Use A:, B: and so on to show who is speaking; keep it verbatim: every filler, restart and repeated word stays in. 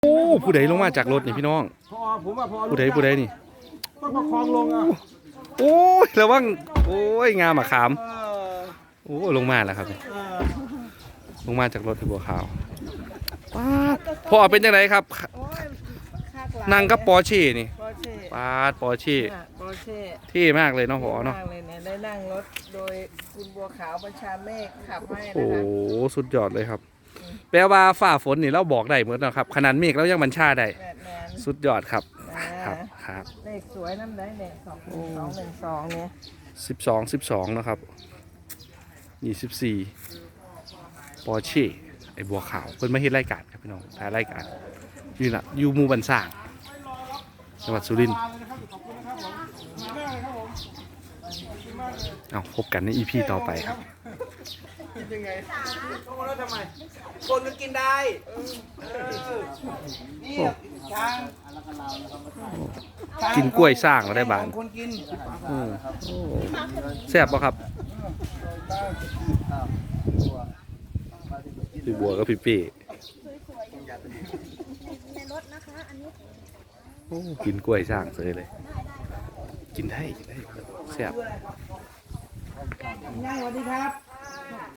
A: โอ้ผู้ใดลงมาจากรถนี่พี่น้อง
B: พอผมว่าพอ
A: ผู้ใดผู้ใดนี่
B: ต้องประคองลงอ่ะ
A: โอ้ยระวังโอ้ยงามอะขาม
B: เออ
A: โอ้ลงมาแล้วครับ
B: เออ
A: ลงมาจากรถที่บัวขาวป้าดพ่อเป็นยังไงครับนั่งกับปอร์เช่นี่
C: ปอร์เช่
A: ป้าดปอร์เช่
C: ปอร์เช่
A: เท่มากเลยเนาะพ่อเนาะ
C: มากเลยเนี่ยได้นั่งรถโดยคุณบัวขาวประชาเมฆขับให้
A: โอ้
C: นะคะ
A: สุดยอดเลยครับแปลว่าฝ่าฝนนี่เราบอกได้เหมือนนะครับขนาดเมฆเรายังบัญชาได้
C: แมนแมน
A: สุดยอดครับค
C: อ่า
A: รับครับ
C: เลขสวยน้ำได้เนี่ยสองหนึ่งสองหนึ่งสองเนี่ย
A: สิบสองสิบสองนะครับยี่สิบสี่ปอร์เช่ไอบัวขาวเพิ่นมาเฮ็ดรายการครับพี่น้องถ่ายรายการอยู่น่ะอยู่หมู่บ้านสร้างจังหวัดสุรินทร์เอาพบกันใน อี พี ต่อไปครับ
B: ยังไงต้องมาแล้วทำไมคนก็กินได้นี่ช้าง
A: กินกล้วยสร้างก็ได้บาน
B: คนกิน
A: แซ่บป่ะครับพี่บัวกับพี่เป้โอ้กินกล้วยสร้างเลยเลยกินได้กินได้แซ่บ
B: ย่างสวัสดีครับ